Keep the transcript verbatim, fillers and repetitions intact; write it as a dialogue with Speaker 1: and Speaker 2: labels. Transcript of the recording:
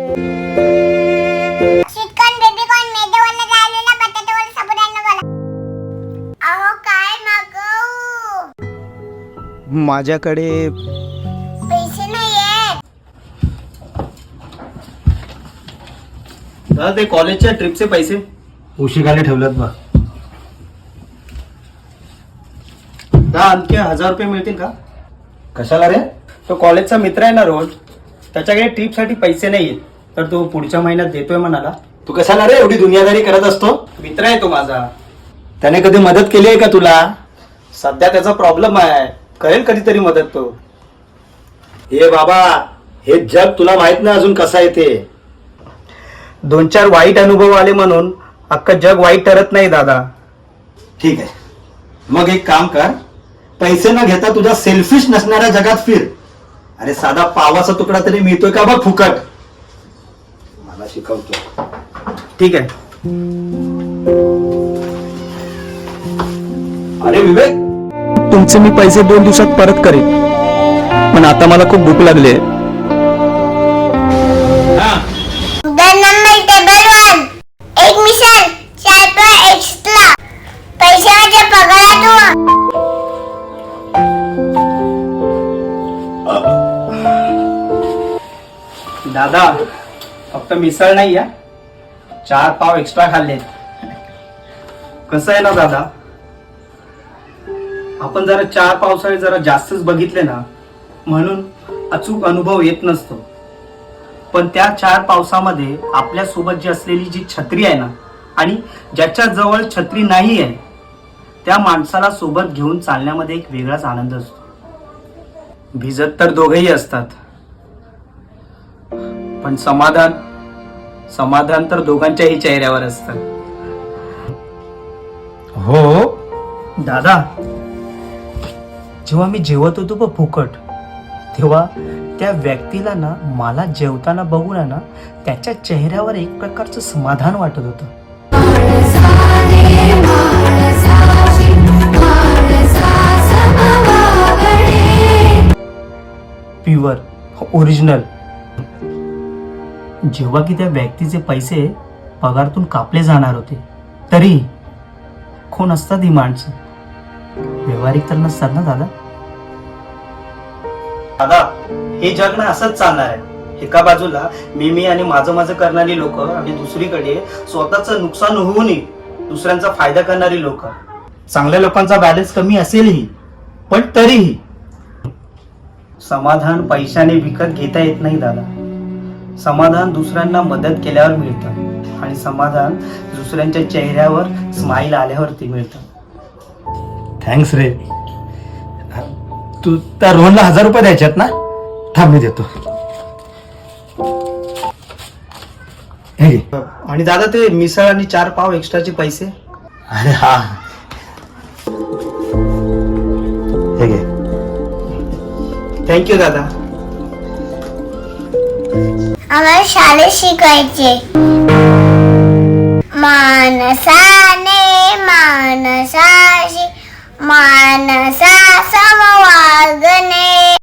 Speaker 1: Chicken baby corn मैद्यावाला राहिलेला बटाट्यावाला साबुदाणा वाला. अहो काय मागवू?
Speaker 2: माझ्याकडे
Speaker 1: पैसे नाहीयेत.
Speaker 2: दादा ते कॉलेजच्या ट्रिपचे पैसे
Speaker 3: उशिराने ठेवलेत बा.
Speaker 2: दहा आणखी हजार रुपये मिळतील का?
Speaker 3: कशाला रे?
Speaker 2: तो कॉलेजचा मित्र आहे ना रोज, त्याच्याकडे ट्रिपसाठी पैसे नाही आहेत, तर तो पुढच्या महिन्यात देतोय म्हणाला.
Speaker 3: तू कशाला रे एवढी दुनियादारी करत असतो?
Speaker 2: मित्र आहे तो माझा.
Speaker 3: त्याने कधी मदत केली आहे का तुला?
Speaker 2: सध्या त्याचा प्रॉब्लेम आहे, करेल कधीतरी मदत तो.
Speaker 3: हे बाबा, हे जग तुला माहित नाही अजून कसं आहे ते.
Speaker 2: दोन चार वाईट अनुभव आले म्हणून अख्खं जग वाईट ठरत नाही दादा.
Speaker 3: ठीक आहे, मग एक काम कर, पैसे न घेता तुझ्या सेल्फिश नसणाऱ्या जगात फिर. अरे साधा पावाचा तुकडा तरी मिळतोय का बघ फुकट. मला शिकवतो.
Speaker 2: ठीक आहे.
Speaker 3: अरे विवेक,
Speaker 2: तुमचे मी पैसे दोन दिवसात परत करेन, पण आता मला खूप भूक लागली आहे.
Speaker 1: दोन नंबर टेबल वन एक मिसल चार पर एक्स्ट्रा. पैसे माझ्या पगारातून.
Speaker 2: दादा फक्त मिसळ नाही या, चार पाव एक्स्ट्रा खाल्ले. कसं आहे ना दादा, आपण जरा चार पावसाळे जरा जास्तच बघितले ना, म्हणून अचूक अनुभव येत नसतो. पण त्या चार पावसामध्ये आपल्या सोबत जी असलेली जी छत्री आहे ना, आणि ज्याच्या जवळ छत्री नाही आहे, त्या माणसाला सोबत घेऊन चालण्यामध्ये एक वेगळाच आनंद असतो. भिजत तर दोघेही असतात, पण समाधान समाधान तर दोघांच्याही चेहऱ्यावर असतं.
Speaker 3: हो
Speaker 2: दादा, जेव्हा मी जेवत होतो बघ फुकट, तेव्हा त्या व्यक्तीला ना मला जेवताना बघून आहे ना, त्याच्या चेहऱ्यावर एक प्रकारचं समाधान वाटत होतं. Pure original. जेव्हा की त्या व्यक्तीचे पैसे पगारातून कापले जाणार होते, तरी कोण असतात ही माणसं? व्यवहारिक तर नसतात ना दादा. दादा, हे जग ना असंच चालणार आहे. एका बाजूला मी मी आणि माझं माझं करणारी लोक, आणि दुसरीकडे स्वतःचं नुकसान होऊनही दुसऱ्यांचा फायदा करणारी लोक. चांगल्या लोकांचा बॅलन्स कमी असेलही, पण तरीही समाधान पैशाने विकत घेता येत नाही दादा. समाधान दुसऱ्यांना मदत केल्यावर मिळतं, आणि समाधान दुसऱ्यांच्या चेहऱ्यावर स्माईल आल्यावरती मिळतं.
Speaker 3: थँक्स रे. तू त्या रोहनला हजार रुपये द्यायच्यात ना? थांब मी देतो. हे घे.
Speaker 2: आणि दादा ते मिसळ आणि चार पाव एक्स्ट्राचे पैसे.
Speaker 3: अरे हा, हे घे.
Speaker 2: थँक्यू दादा.
Speaker 1: आम्हाला शाळेत शिकायचे. मानसाने मानसाशी मानसा समवागणे.